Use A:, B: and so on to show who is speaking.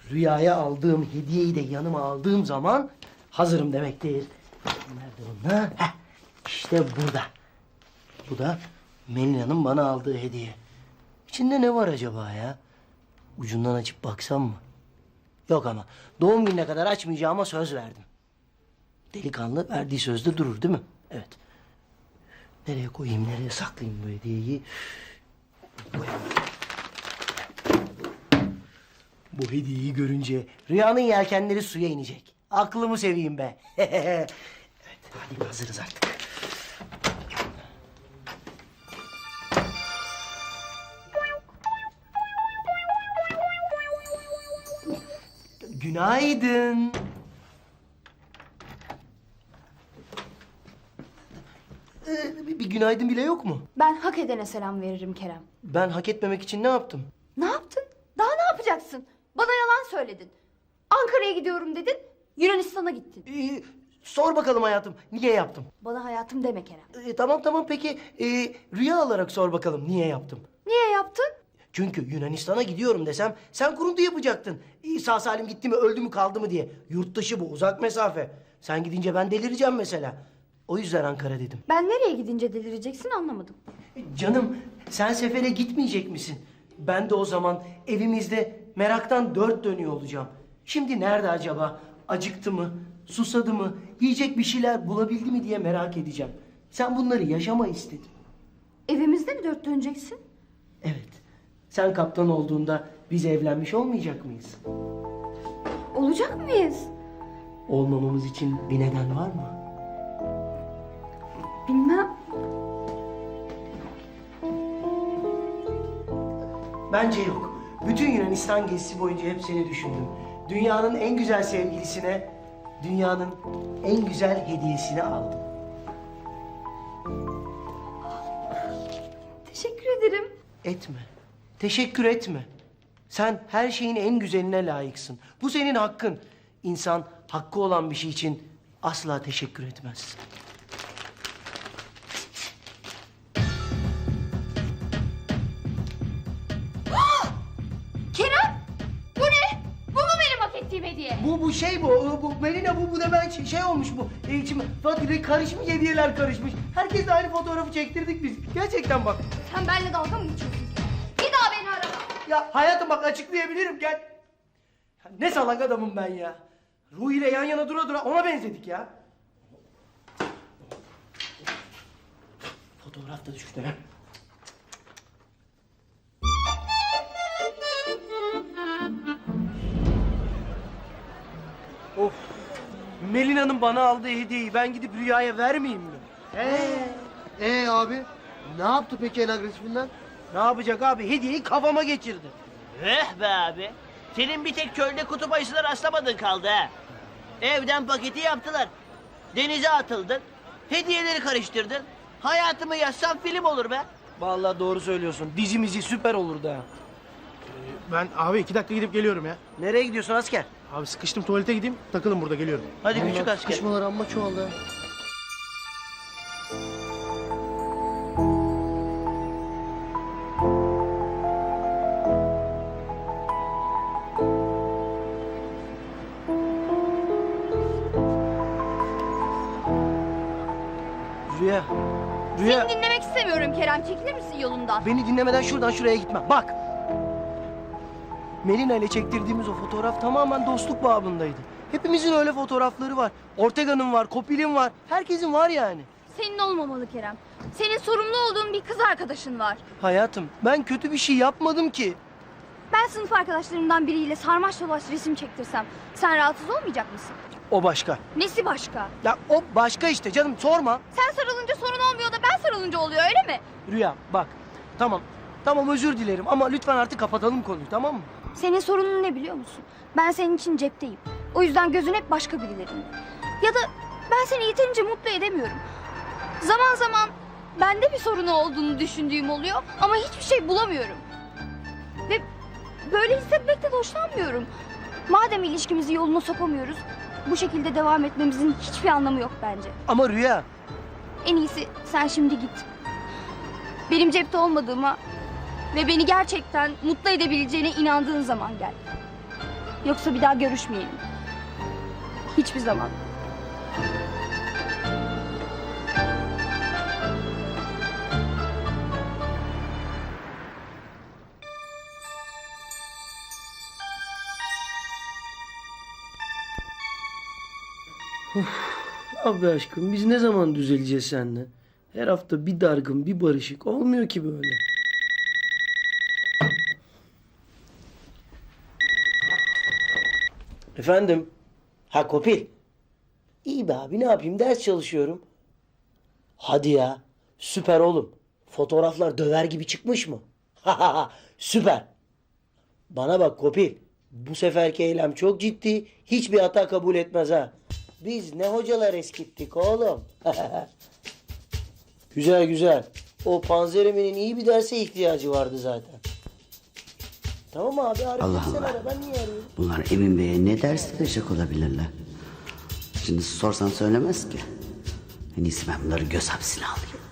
A: Rüyaya aldığım hediyeyi de yanıma aldığım zaman hazırım demektir. Nerede bunlar? Heh, işte burada. Bu da Melina'nın bana aldığı hediye. İçinde ne var acaba ya? Ucundan açıp baksam mı? Yok ama doğum gününe kadar açmayacağıma söz verdim. Delikanlı verdiği sözde durur değil mi? Evet. Nereye koyayım, nereye saklayayım bu hediyeyi? Koyayım. Bu hediyeyi görünce rüyanın yelkenleri suya inecek. Aklımı seveyim be. Evet, hadi hazırız artık. Günaydın. Bir günaydın bile yok mu?
B: Ben hak edene selam veririm Kerem.
A: Ben hak etmemek için ne yaptım?
B: Ne yaptın? Daha ne yapacaksın? Bana yalan söyledin. Ankara'ya gidiyorum dedin, Yunanistan'a gittin.
A: Sor bakalım hayatım, niye yaptım?
B: Bana hayatım deme Kerem.
A: Tamam peki rüya olarak sor bakalım niye yaptım?
B: Niye yaptın?
A: Çünkü Yunanistan'a gidiyorum desem sen kuruntu yapacaktın. Sağ salim gitti mi öldü mü kaldı mı diye. Yurt dışı bu, uzak mesafe. Sen gidince ben delireceğim mesela. O yüzden Ankara dedim.
B: Ben nereye gidince delireceksin anlamadım.
A: Canım sen sefere gitmeyecek misin? Ben de o zaman evimizde meraktan dört dönüyor olacağım. Şimdi nerede acaba? Acıktı mı? Susadı mı? Yiyecek bir şeyler bulabildi mi diye merak edeceğim. Sen bunları yaşama istedin.
B: Evimizde mi dört döneceksin?
A: Evet. Sen kaptan olduğunda biz evlenmiş olmayacak mıyız?
B: Olacak mıyız?
A: Olmamamız için bir neden var mı?
B: Bilmem.
A: Bence yok. Bütün Yunanistan gezisi boyunca hep seni düşündüm. Dünyanın en güzel sevgilisine, dünyanın en güzel hediyesini aldım.
B: Teşekkür ederim.
A: Etme. Teşekkür etme. Sen her şeyin en güzeline layıksın. Bu senin hakkın. İnsan hakkı olan bir şey için asla teşekkür etmez.
B: Kerem! Bu ne? Bu mu benim hak ettiğim hediye?
A: Bu Melina bu da ben şey olmuş bu. İçim karışmış hediyeler karışmış. Herkesle aynı fotoğrafı çektirdik biz. Gerçekten bak.
B: Sen benimle dalga mı geçiyorsun? Bir daha beni arama.
A: Ya hayatım bak açıklayabilirim gel. Ya ne salak adamım ben ya. Ruhi ile yan yana dura dura ona benzedik ya. Fotoğraf da düştü ha. Of. Melina'nın bana aldığı hediyeyi ben gidip Rüya'ya vermeyeyim mi?
C: Abi ne yaptı peki en agresifinden?
A: Ne yapacak abi? Hediyeyi kafama geçirdi.
D: Eh be abi. Senin bir tek çölde kutup ayısına rastlamadın kaldı ha. Evden paketi yaptılar. Denize atıldın. Hediyeleri karıştırdın. Hayatımı yazsam film olur be.
A: Vallahi doğru söylüyorsun. Dizimizi süper olurdu ha.
C: Ben abi 2 dakika gidip geliyorum ya.
A: Nereye gidiyorsun asker?
C: Abi sıkıştım tuvalete gideyim takılın burada geliyorum.
D: Hadi küçük asker.
C: Sıkışmalar amma çoğaldı.
A: Rüya. Rüya.
B: Seni dinlemek istemiyorum Kerem. Çekilir misin yolundan?
A: Beni dinlemeden şuradan şuraya gitme. Bak. Melina ile çektirdiğimiz o fotoğraf tamamen dostluk babındaydı. Hepimizin öyle fotoğrafları var. Ortega'nın var, Kopil'in var. Herkesin var yani.
B: Senin olmamalı Kerem. Senin sorumlu olduğun bir kız arkadaşın var.
A: Hayatım ben kötü bir şey yapmadım ki.
B: Ben sınıf arkadaşlarımdan biriyle sarmaş dolaş resim çektirsem sen rahatsız olmayacak mısın?
A: O başka.
B: Nesi başka?
A: Ya o başka işte canım sorma.
B: Sen sarılınca sorun olmuyor da ben sarılınca oluyor öyle mi?
A: Rüya bak. Tamam. Tamam özür dilerim ama lütfen artık kapatalım konuyu tamam mı?
B: Senin sorunun ne biliyor musun? Ben senin için cepteyim. O yüzden gözün hep başka birilerinde. Ya da ben seni yeterince mutlu edemiyorum. Zaman zaman bende bir sorunu olduğunu düşündüğüm oluyor ama hiçbir şey bulamıyorum. Ve böyle hissetmekten hoşlanmıyorum. Madem ilişkimizi yoluna sokamıyoruz, bu şekilde devam etmemizin hiçbir anlamı yok bence.
A: Ama Rüya.
B: En iyisi sen şimdi git. Benim cepte olmadığıma ve beni gerçekten mutlu edebileceğine inandığın zaman gel. Yoksa bir daha görüşmeyelim. Hiçbir zaman.
A: Abi aşkım biz ne zaman düzeleceğiz seninle? Her hafta bir dargın bir barışık olmuyor ki böyle. Efendim? Ha Kopil. İyi be abi ne yapayım ders çalışıyorum. Hadi ya süper oğlum. Fotoğraflar döver gibi çıkmış mı? Süper. Bana bak Kopil. Bu seferki eylem çok ciddi. Hiçbir hata kabul etmez ha. Biz ne hocalar eskittik oğlum. Güzel güzel. O Panzerimi'nin iyi bir derse ihtiyacı vardı zaten. Tamam abi Arif
E: Allah
A: sen
E: Allah.
A: ara ben niye arıyorum?
E: Bunlar Emin Bey'e ne ders verecek olabilirler? Şimdi sorsan söylemez ki. En iyisi ben bunları göz hapsine alayım.